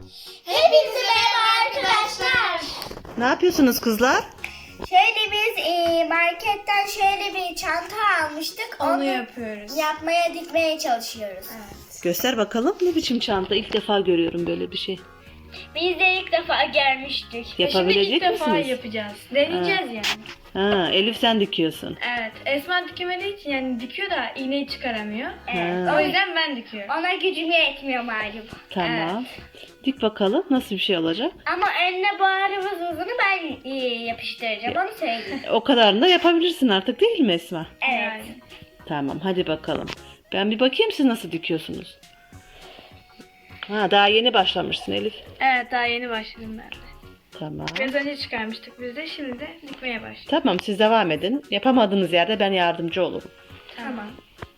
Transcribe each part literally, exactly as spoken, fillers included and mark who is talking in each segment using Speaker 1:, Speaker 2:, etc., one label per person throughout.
Speaker 1: Hepinize merhaba arkadaşlar.
Speaker 2: Ne yapıyorsunuz kızlar?
Speaker 1: Şöyle biz e, marketten şöyle bir çanta almıştık.
Speaker 3: Onu yapıyoruz.
Speaker 1: Yapmaya dikmeye çalışıyoruz.
Speaker 3: Evet.
Speaker 2: Göster bakalım, ne biçim çanta? İlk defa görüyorum böyle bir şey.
Speaker 1: Biz de ilk defa gelmiştik.
Speaker 2: Yapabilecek
Speaker 3: Şimdi ilk defa
Speaker 2: misiniz?
Speaker 3: yapacağız. Deneyeceğiz yani.
Speaker 2: Ha, Elif sen dikiyorsun.
Speaker 3: Evet. Esma dikemediği için yani dikiyor da iğneyi çıkaramıyor.
Speaker 1: Evet.
Speaker 2: Ha.
Speaker 3: O yüzden ben dikiyorum.
Speaker 1: Ona gücüm yetmiyor malum.
Speaker 2: Tamam. Dik bakalım nasıl bir şey olacak.
Speaker 1: Ama önüne bağrımızını ben e, yapıştıracağım. Onu söyleyeyim.
Speaker 2: O kadarını da yapabilirsin artık, değil mi Esma?
Speaker 1: Evet.
Speaker 3: Yani.
Speaker 2: Tamam, hadi bakalım. Ben bir bakayım siz nasıl dikiyorsunuz. Ha, daha yeni başlamışsın Elif.
Speaker 3: Evet, daha yeni başladım ben de.
Speaker 2: Tamam.
Speaker 3: Biraz önce çıkarmıştık biz de, şimdi de dikmeye başladık.
Speaker 2: Tamam, siz devam edin. Yapamadığınız yerde ben yardımcı olurum.
Speaker 3: Tamam.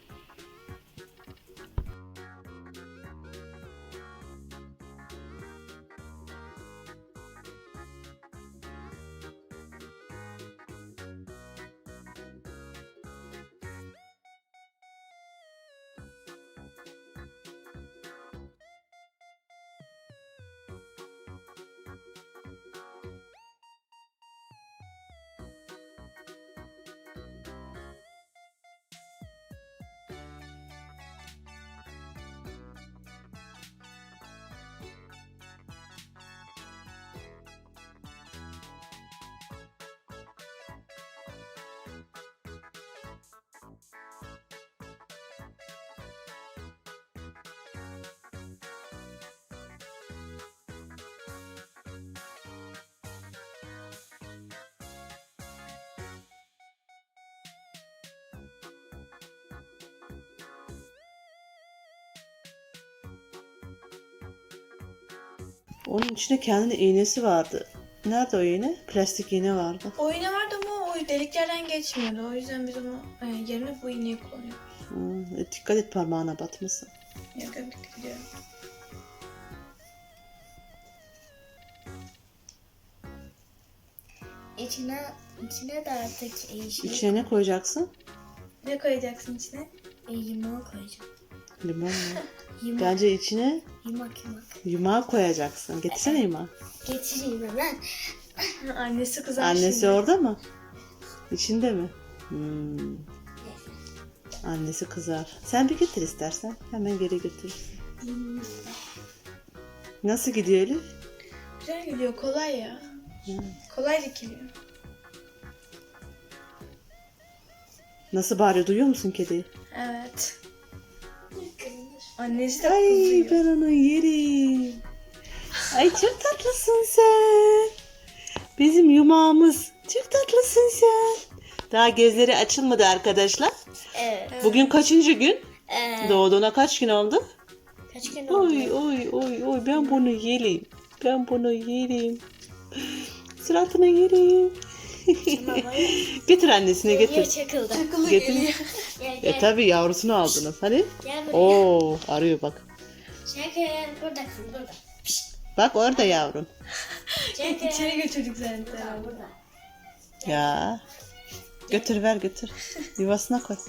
Speaker 2: Onun içinde kendine iğnesi vardı. Nerede o iğne? Plastik iğne vardı.
Speaker 3: O iğne vardı ama o deliklerden geçmiyordu. O yüzden biz onu e, yerine bu iğneyi kullanıyoruz.
Speaker 2: Hmm, dikkat et parmağına batmasın.
Speaker 3: Yok, yok, dikkat ediyorum.
Speaker 1: İçine, içine de artık e, şey,
Speaker 2: İçine ne koyacaksın?
Speaker 3: Ne koyacaksın içine?
Speaker 1: e, yumağı koyacağım.
Speaker 2: Limon mu?
Speaker 1: Yumak,
Speaker 2: Bence içine
Speaker 1: yumak, yumak.
Speaker 2: yumağı koyacaksın. Getirsene yumağı.
Speaker 1: Getireyim hemen.
Speaker 3: Annesi kızar
Speaker 2: Annesi
Speaker 3: şimdi.
Speaker 2: orada mı? İçinde mi? Hmm. Annesi kızar. Sen bir getir istersen. Hemen geri götür. Nasıl gidiyor Elif?
Speaker 3: Güzel gidiyor, kolay ya.
Speaker 2: Hmm.
Speaker 3: Kolay dikiliyor.
Speaker 2: Nasıl bağırıyor? Duyuyor musun kediyi?
Speaker 3: Evet. Annesi de
Speaker 2: Ay
Speaker 3: kızıyor.
Speaker 2: ben onu yerim. Ay çok tatlısın sen. Bizim yumağımız. Çok tatlısın sen. Daha gözleri açılmadı arkadaşlar.
Speaker 1: Evet.
Speaker 2: Bugün kaçıncı gün?
Speaker 1: Ee,
Speaker 2: Doğduğuna kaç gün oldu?
Speaker 1: kaç gün oldu?
Speaker 2: Oy oy oy oy ben bunu yerim. Ben bunu yerim. Suratını yerim. Getir annesine
Speaker 1: Geliyor,
Speaker 2: getir.
Speaker 1: çakıldı.
Speaker 3: Akıllı
Speaker 2: Getir.
Speaker 3: geliyor.
Speaker 1: Gel gel.
Speaker 2: E tabi yavrusunu aldınız. Hani?
Speaker 1: Gel buraya.
Speaker 2: Oo arıyor bak.
Speaker 1: Çakıl. Buradasın burada.
Speaker 2: Bak orada yavrum.
Speaker 1: Çakıl.
Speaker 3: İçeri götürdük zaten.
Speaker 1: Burada, burada.
Speaker 2: Ya. Götür ver götür. Yuvasına koy.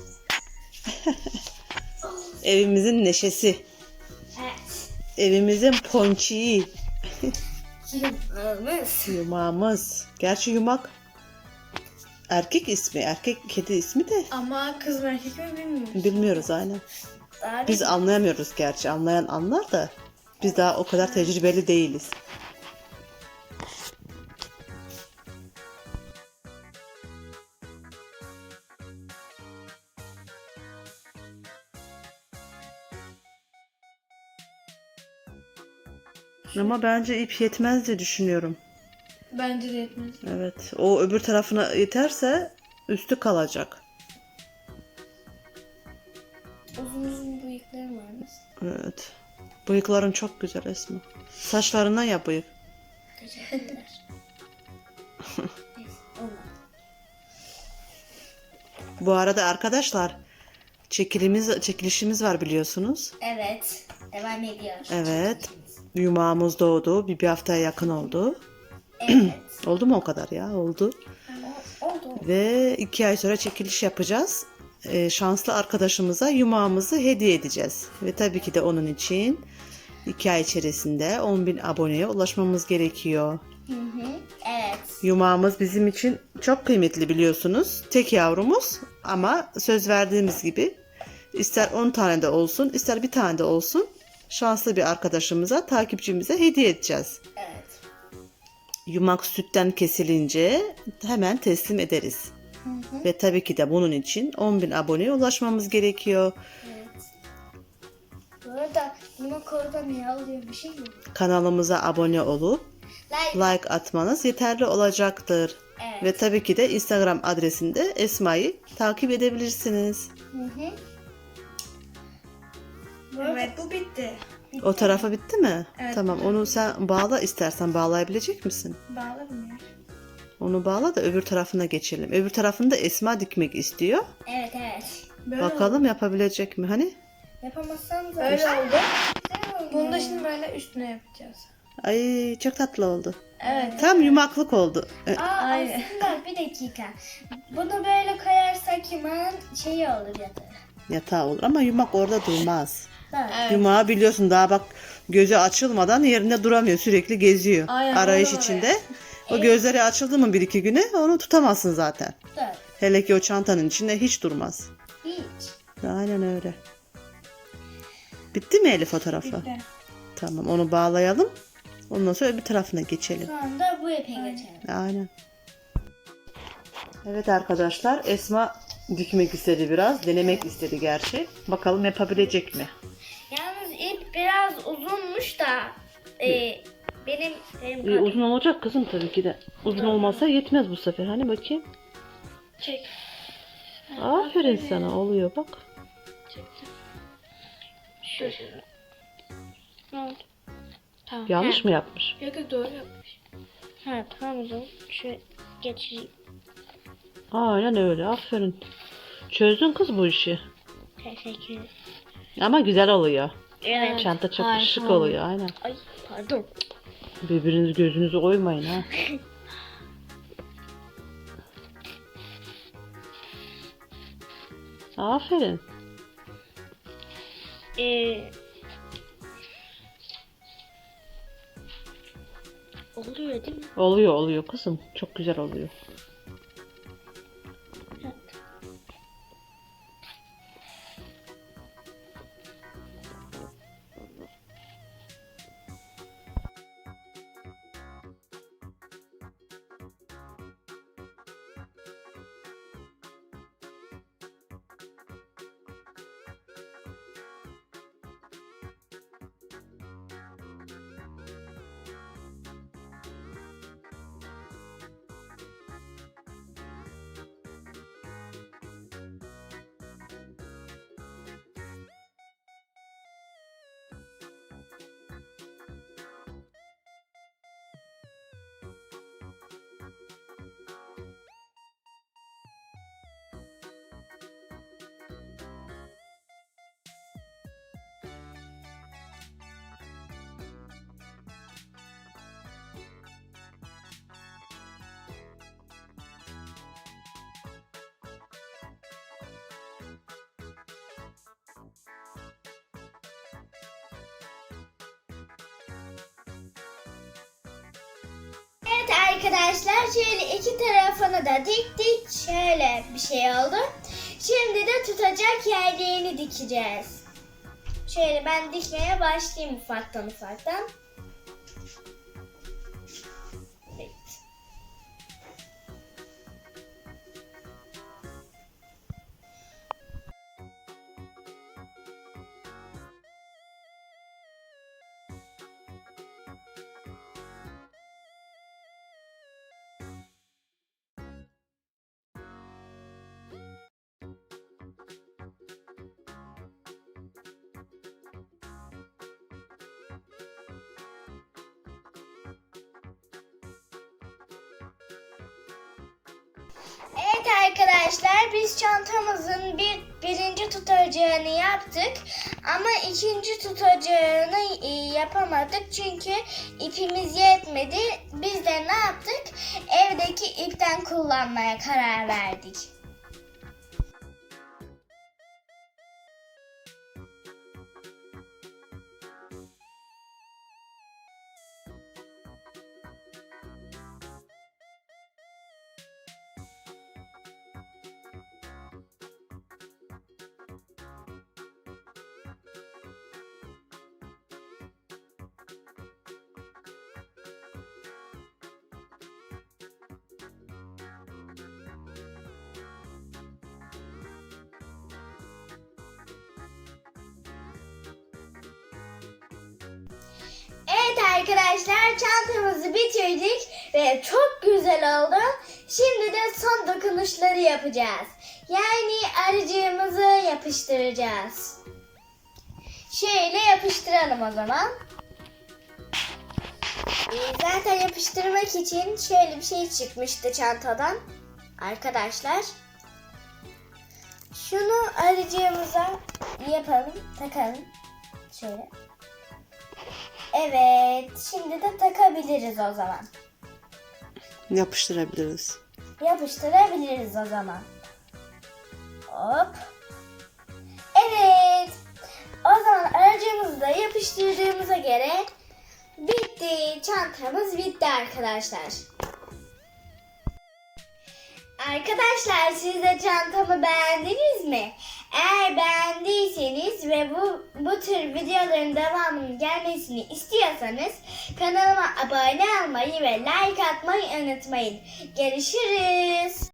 Speaker 2: Evimizin neşesi.
Speaker 1: Evet.
Speaker 2: Evimizin ponçiği.
Speaker 1: Yumağımız.
Speaker 2: Yumağımız. Gerçi yumak erkek ismi. Erkek kedi ismi de
Speaker 3: Ama kız mı erkek mi bilmiyorum.
Speaker 2: bilmiyoruz aynen.
Speaker 1: Daha
Speaker 2: Biz anlayamıyoruz gerçi. Anlayan anlar da biz daha o kadar tecrübeli değiliz. Ama bence ip yetmez diye düşünüyorum.
Speaker 3: Bence de yetmez.
Speaker 2: Evet. O öbür tarafına yeterse üstü kalacak.
Speaker 1: uzun uzun bıyıklarım varmış.
Speaker 2: Evet. Bıyıkların çok güzel Esma. Saçlarından yap bıyık.
Speaker 1: Teşekkürler. Neyse, olmadı.
Speaker 2: Bu arada arkadaşlar çekilimiz, çekilişimiz var biliyorsunuz.
Speaker 1: Evet. Devam ediyor.
Speaker 2: Evet. Yumağımız doğdu. Bir, bir haftaya yakın oldu.
Speaker 1: Evet.
Speaker 2: Oldu mu o kadar ya? Oldu.
Speaker 1: O- Oldu.
Speaker 2: Ve iki ay sonra çekiliş yapacağız. Ee, şanslı arkadaşımıza yumağımızı hediye edeceğiz. Ve tabii ki de onun için iki ay içerisinde on bin aboneye ulaşmamız gerekiyor.
Speaker 1: Hı hı. Evet.
Speaker 2: Yumağımız bizim için çok kıymetli biliyorsunuz. Tek yavrumuz ama söz verdiğimiz gibi ister on tane de olsun ister bir tane de olsun şanslı bir arkadaşımıza, takipçimize hediye edeceğiz.
Speaker 1: Evet.
Speaker 2: Yumak sütten kesilince hemen teslim ederiz.
Speaker 1: Hı hı.
Speaker 2: Ve tabii ki de bunun için on bin aboneye ulaşmamız gerekiyor.
Speaker 1: Evet. Bu arada bunu koruda niye alıyor bir şey mi?
Speaker 2: Kanalımıza abone olup
Speaker 1: Like.
Speaker 2: like atmanız yeterli olacaktır.
Speaker 1: Evet.
Speaker 2: Ve tabii ki de Instagram adresinde Esma'yı takip edebilirsiniz.
Speaker 1: Hı hı. Bu arada-
Speaker 3: Evet bu bitti.
Speaker 2: O tarafa bitti mi?
Speaker 3: Evet,
Speaker 2: Tamam,
Speaker 3: bitti.
Speaker 2: onu sen bağla, istersen bağlayabilecek misin?
Speaker 3: Bağlarım ya.
Speaker 2: Onu bağla da öbür tarafına geçelim. Öbür tarafında Esma dikmek istiyor.
Speaker 1: Evet evet.
Speaker 3: Böyle
Speaker 2: Bakalım yapabilecek mi? Hani?
Speaker 1: Yapamazsan da
Speaker 3: Böyle oldu.
Speaker 1: Güzel oldu.
Speaker 3: Bunu da şimdi böyle üstüne yapacağız.
Speaker 2: Ay çok tatlı oldu.
Speaker 3: Evet.
Speaker 2: Tam yumaklık oldu. E,
Speaker 1: Aa,
Speaker 3: Aynen.
Speaker 1: aslında bir dakika. Bunu böyle koyarsak yumağın şeyi olur ya da.
Speaker 2: Yatağı olur ama yumak orada durmaz.
Speaker 1: Evet.
Speaker 3: Evet.
Speaker 2: Yumağı biliyorsun daha bak gözü açılmadan yerinde duramıyor. Sürekli geziyor.
Speaker 3: Aynen,
Speaker 2: Arayış
Speaker 3: öyle
Speaker 2: içinde. O gözleri açıldı mı bir iki güne onu tutamazsın zaten.
Speaker 1: Evet.
Speaker 2: Hele ki o çantanın içinde hiç durmaz.
Speaker 1: Hiç.
Speaker 2: Aynen öyle. Bitti mi Elif fotoğrafı?
Speaker 3: Bitti.
Speaker 2: Tamam, onu bağlayalım. Ondan sonra bir tarafına geçelim.
Speaker 1: Sonra da bu ipe geçelim.
Speaker 2: Aynen. Evet arkadaşlar, Esma dikmek istedi biraz. Denemek istedi gerçi. Bakalım yapabilecek mi?
Speaker 1: Yalnız ip biraz uzunmuş da e, benim benim
Speaker 2: Ee, uzun olacak kızım tabii ki de. Uzun olmazsa yetmez bu sefer. Hani bakayım.
Speaker 3: Çek.
Speaker 2: Aferin sana, oluyor bak.
Speaker 3: Çektim. Şöyle. Ne oldu? Tamam.
Speaker 2: Yanlış mı yapmış?
Speaker 3: Yok yok doğru yapmış.
Speaker 1: Ha tamam o zaman şöyle geçeyim.
Speaker 2: Aynen öyle, aferin. Çözdün kız bu işi.
Speaker 1: Teşekkür ederim.
Speaker 2: Ama güzel oluyor.
Speaker 1: Evet.
Speaker 2: Çanta çok
Speaker 3: Harika
Speaker 2: şık
Speaker 3: oldu.
Speaker 2: oluyor, aynen.
Speaker 1: Ay pardon.
Speaker 2: Birbiriniz gözünüzü oymayın ha. Aferin.
Speaker 1: Ee, oluyor değil mi?
Speaker 2: Oluyor oluyor kızım. Çok güzel oluyor.
Speaker 1: Evet arkadaşlar şöyle iki tarafını da diktik. Şöyle bir şey oldu. Şimdi de tutacak yerlerini dikeceğiz. Şöyle ben dikmeye başlayayım ufaktan ufaktan. Evet. Evet arkadaşlar biz çantamızın bir birinci tutacağını yaptık ama ikinci tutacağını e, yapamadık çünkü ipimiz yetmedi. Biz de ne yaptık? Evdeki ipten kullanmaya karar verdik. arkadaşlar çantamızı bitirdik ve çok güzel oldu. Şimdi de son dokunuşları yapacağız. Yani arıcığımızı yapıştıracağız. Şöyle yapıştıralım o zaman. Ee, zaten yapıştırmak için şöyle bir şey çıkmıştı çantadan. Arkadaşlar. Şunu arıcığımıza yapalım, takalım. Şöyle. Evet, şimdi de takabiliriz o zaman.
Speaker 2: Yapıştırabiliriz.
Speaker 1: Yapıştırabiliriz o zaman. Hop. Evet. O zaman aracımızı da yapıştırdığımıza göre bitti. Çantamız bitti arkadaşlar. Arkadaşlar siz de çantamı beğendiniz mi? Eğer beğendiyseniz ve bu bu tür videoların devamının gelmesini istiyorsanız kanalıma abone olmayı ve like atmayı unutmayın. Görüşürüz.